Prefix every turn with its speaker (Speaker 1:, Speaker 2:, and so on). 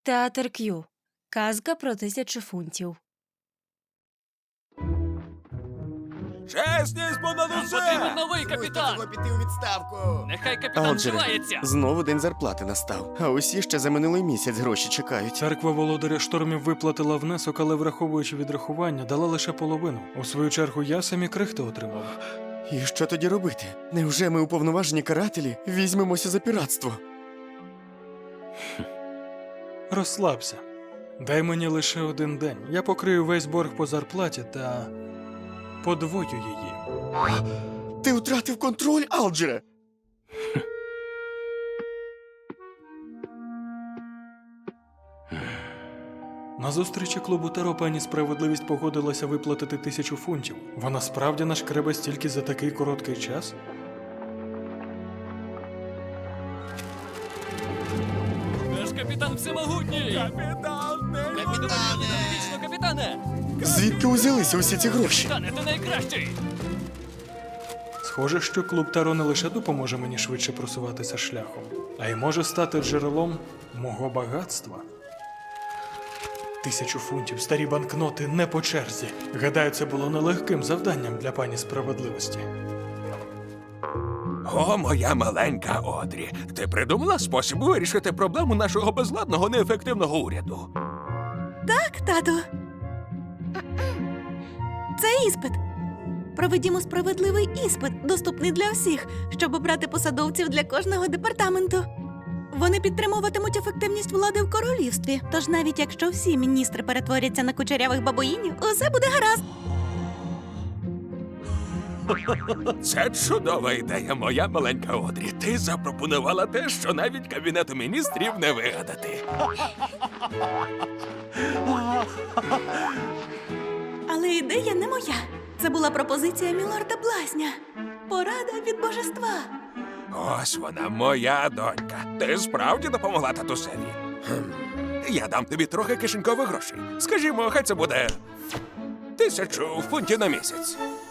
Speaker 1: Театр К'ю. Казка про 1000 фунтів.
Speaker 2: Чесність понад
Speaker 3: Нам
Speaker 2: усе!
Speaker 3: потрібен новий капітан!
Speaker 4: Треба піти у відставку.
Speaker 3: Нехай капітан
Speaker 5: Алджере,
Speaker 3: вживається!
Speaker 5: знову день зарплати настав. А усі ще за минулий місяць гроші чекають.
Speaker 6: Церква володаря штормів виплатила внесок, але враховуючи відрахування, дала лише половину. У свою чергу я самі крихти отримав.
Speaker 5: І що тоді робити? Невже ми уповноважені карателі візьмемося за піратство?
Speaker 6: Розслабся. Дай мені лише один день. Я покрию весь борг по зарплаті та подвою її.
Speaker 5: Ти втратив контроль, Алджере!
Speaker 6: На зустрічі клубу Таро пані Справедливість погодилася виплатити 1000 фунтів. Вона справді нашкребе стільки за такий короткий час?
Speaker 3: Наш капітан всемогутній!
Speaker 4: Капітане!
Speaker 3: Вічно, капітане!
Speaker 5: Звідки узялися усі ці гроші?
Speaker 3: Капітане, ти найкращий!
Speaker 6: Схоже, що клуб Таро не лише допоможе мені швидше просуватися шляхом, а й може стати джерелом мого багатства. 1000 фунтів, старі банкноти не по черзі. Гадаю, це було нелегким завданням для пані Справедливості.
Speaker 2: О, моя маленька Одрі, ти придумала спосіб вирішити проблему нашого безладного неефективного уряду?
Speaker 7: Так, тату. Це іспит. Проведімо справедливий іспит, доступний для всіх, щоб обрати посадовців для кожного департаменту. Вони підтримуватимуть ефективність влади в королівстві. Тож навіть якщо всі міністри перетворяться на кучерявих бабуїнів, усе буде гаразд.
Speaker 2: Це чудова ідея, моя маленька Одрі. Ти запропонувала те, що навіть Кабінету міністрів не вигадати.
Speaker 7: Але ідея не моя. Це була пропозиція мілорда Блазня. Порада від божества.
Speaker 2: Ось вона, моя донька. Ти справді допомогла татусеві. Я дам тобі трохи кишенькових грошей. Скажімо, хай це буде 1000 фунтів на місяць.